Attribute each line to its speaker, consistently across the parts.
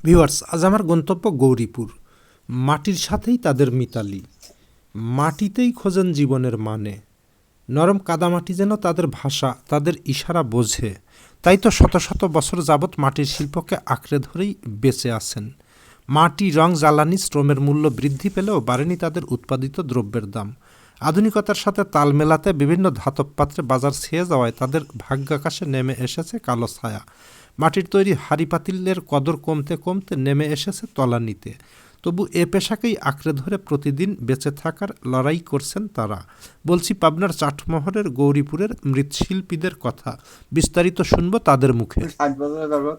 Speaker 1: Viewers, আজ আমার গন্তব্য গৌরীপুর। মাটির সাথেই তাদের মিতালি। মাটিতেই খোঁজেন জীবনের মানে। নরম কাদামাটি যেন তাদের ভাষা, তাদের ইশারা বোঝে। তাই তো শত শত বছর যাবৎ মাটির শিল্পকে আঁকড়ে ধরেই বেঁচে আছেন। মাটি, রং, জ্বালানি, শ্রমের মূল্য বৃদ্ধি পেলেও বাড়েনি তাদের উৎপাদিত দ্রব্যের দাম। আধুনিকতার সাথে তাল মেলাতে বিভিন্ন ধাতব পাত্রে বাজার ছেয়ে যাওয়ায় তাদের ভাগ্যাকাশে নেমে এসেছে কালো ছায়া। মাটির তৈরি হাঁড়ি পাতিলের কদর কমতে কমতে নেমে এসেছে তলানিতে। তবু এ পেশাকেই আঁকড়ে ধরে প্রতিদিন বেঁচে থাকার লড়াই করছেন তারা। বলছি পাবনার চাটমোহরের গৌরীপুরের মৃৎশিল্পীদের কথা। বিস্তারিত শুনবো তাদের মুখে।
Speaker 2: 60 বছর যাবৎ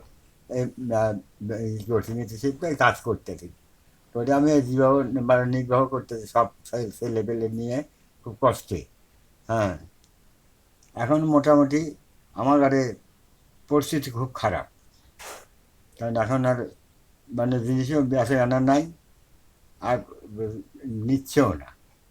Speaker 2: কাজ করতেছি। তো এটা আমি জীবন মানে নির্বাহ করতেছি সব ছেলে পেলে নিয়ে খুব কষ্টে। হ্যাঁ, এখন মোটামুটি আমার ঘরে পরিস্থিতি খুব খারাপ, কারণ এখন আর মানে জিনিসও বেঁচে আনা নাই, আর নিচ্ছেও না।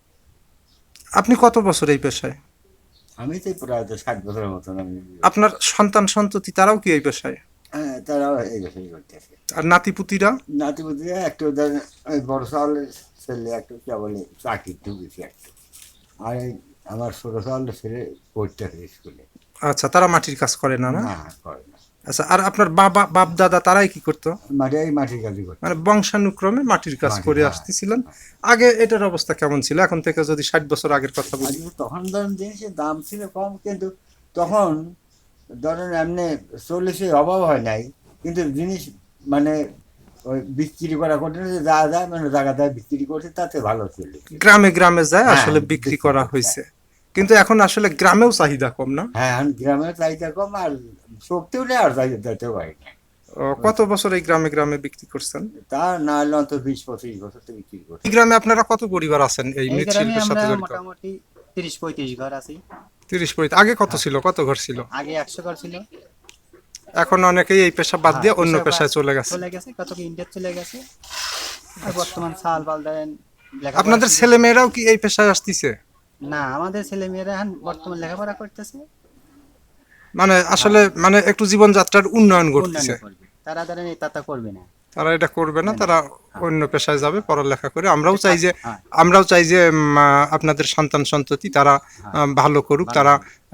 Speaker 3: আপনি কত বছর এই পেশায়?
Speaker 2: আমি তো প্রায় 60 বছরের মতন আমি।
Speaker 3: আপনার সন্তান সন্ততি তারাও কি এই পেশায়?
Speaker 2: হ্যাঁ, তারাও এই বছরই করতেছে।
Speaker 3: আর নাতিপুতিরা?
Speaker 2: নাতিপুতিরা একটু ধরেন ওই বড় চাউলের ছেলে একটু কেবল চাকরি ঢুকেছে একটু, আর এই আমার ছোটো চাউলের ছেলে পড়তেছে স্কুলে।
Speaker 3: আচ্ছা, তারা মাটির কাজ করে না, না?
Speaker 2: না, করে না।
Speaker 3: আচ্ছা, আর আপনার বাবা বাপ দাদা তারাই কি করতো?
Speaker 2: মাটির কাজই করতে।
Speaker 3: মানে বংশানুক্রমে মাটির কাজ করে
Speaker 2: হ্যাঁ।
Speaker 3: আসতেছিলেন। আগে এটার অবস্থা কেমন ছিল? এখন থেকে যদি 60 বছর আগের কথা বলি।
Speaker 2: তখন ধরেন জিনিসের দাম ছিল কম, কিন্তু তখন ধরেন এমনি চল্লিশে অভাব হয় নাই, কিন্তু জিনিস মানে ওই বিক্রি করা করতে যা যায় মানে জায়গায় বিক্রি করছে তাতে ভালো ছিল।
Speaker 3: গ্রামে গ্রামে যায়
Speaker 2: হ্যাঁ,
Speaker 3: আসলে বিক্রি করা হয়েছে, কিন্তু এখন আসলে গ্রামেও চাহিদা কম, না?
Speaker 2: হ্যাঁ, এখন গ্রামের চাহিদা কম, আর শক্তিও নেই, আর যাইতে পারি না।
Speaker 3: কত বছর এই গ্রামে গ্রামে বিক্রি করছেন?
Speaker 2: তা না হলে অন্তত 20-25 বছর তো বিক্রি করছে।
Speaker 3: এই গ্রামে আপনারা কত পরিবার আছেন এই
Speaker 4: এই গ্রামে
Speaker 3: মৃৎশিল্পের
Speaker 4: আমরা
Speaker 3: সাথে জড়িত?
Speaker 4: মোটামুটি 30-35 ঘর আছি।
Speaker 3: 30 আগে কত ছিল, কত ঘর ছিল?
Speaker 4: আগে 100 ঘর ছিল।
Speaker 3: এখন অনেকেই এই পেশা বাদ দিয়ে অন্য
Speaker 4: পেশা
Speaker 3: পেশায় চলে গেছে।
Speaker 4: কত কি ইন্ডিয়া চলে গেছে। আর বর্তমান সাল বাল দেন
Speaker 3: আপনাদের ছেলে মেয়েরাও কি এই পেশায় আসতেছে?
Speaker 4: না, আমাদের ছেলে মেয়েরা এখন বর্তমান লেখাপড়া করতেছে।
Speaker 3: মানে আসলে মানে একটু জীবনযাত্রার উন্নয়ন ঘটতেছে।
Speaker 4: করবে তারা ধরেন এই তাতা করবে না।
Speaker 3: তারা এটা করবে না, তারা অন্য পেশায় যাবে পড়ালেখা করে। আমরাও
Speaker 4: হ্যাঁ।
Speaker 3: চাই যে আপনাদের সন্তান সন্ততি তারা ভালো করুক, তারা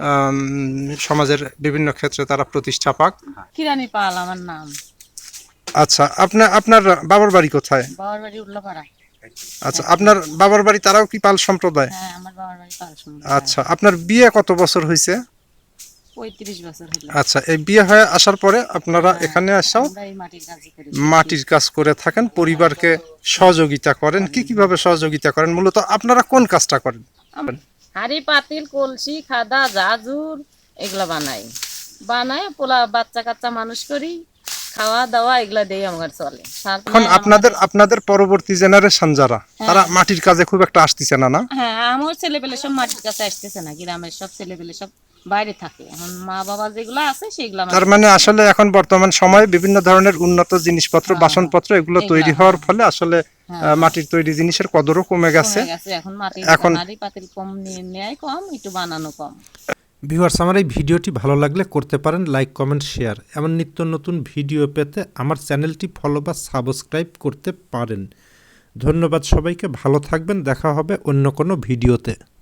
Speaker 3: সমাজের বিভিন্ন ক্ষেত্রে তারা প্রতিষ্ঠা পাক।
Speaker 5: কিরানি পাল আমার নাম।
Speaker 3: আচ্ছা, আপনার বাবার বাড়ি কোথায়?
Speaker 5: বাবার বাড়ি উল্লাপাড়া।
Speaker 3: আচ্ছা, আপনার বাবার বাড়ি তারাও কি পাল সম্প্রদায়?
Speaker 5: হ্যাঁ, আমার বাবার বাড়ি পাল সম্প্রদায়।
Speaker 3: আচ্ছা, আপনার বিয়ে কত বছর হয়েছে?
Speaker 5: 35 বছর হলো।
Speaker 3: আচ্ছা, এই বিয়ে হয়ে আসার পরে আপনারা এখানে আসাও
Speaker 5: আমরা এই মাটির কাজ করি।
Speaker 3: মাটির কাজ করে থাকেন, পরিবারকে সহযোগিতা করেন। কিভাবে সহযোগিতা করেন? মূলত আপনারা কোন কাজটা করেন?
Speaker 5: হাঁড়ি পাতিল কলসি খাদা জাজুর এগুলা বানাই পোলা বাচ্চা কাচ্চা মানুষ করি, খাওয়া দাওয়া এগুলা দিয়ে আমার চলে।
Speaker 3: এখন আপনাদের পরবর্তী জেনারেশন যারা, তারা মাটির কাজে খুব একটা আসতেছে না, না?
Speaker 5: হ্যাঁ, আমার ছেলেপেলে সব মাটির কাছে আসতেছে না, গ্রামের সব ছেলেপেলে সব বাইরে থাকে। এখন মা বাবা যেগুলো আছে সেগুলো
Speaker 3: তার মানে আসলে এখন বর্তমান সময়ে বিভিন্ন ধরনের উন্নত জিনিসপত্র, বাসনপত্র এগুলো তৈরি হওয়ার ফলে আসলে মাটির তৈরি জিনিসের কদরও কমে গেছে।
Speaker 5: এখন মাটির হাঁড়ি পাতিল কম নেয়, কম একটু বানানো কম।
Speaker 1: ভিউয়ার্স, আমার এই ভিডিওটি ভালো লাগলে করতে পারেন লাইক, কমেন্ট, শেয়ার। এমন নিত্য নতুন ভিডিও পেতে আমার চ্যানেলটি ফলো বা সাবস্ক্রাইব করতে পারেন। ধন্যবাদ সবাইকে, ভালো থাকবেন। দেখা হবে অন্য কোনো ভিডিওতে।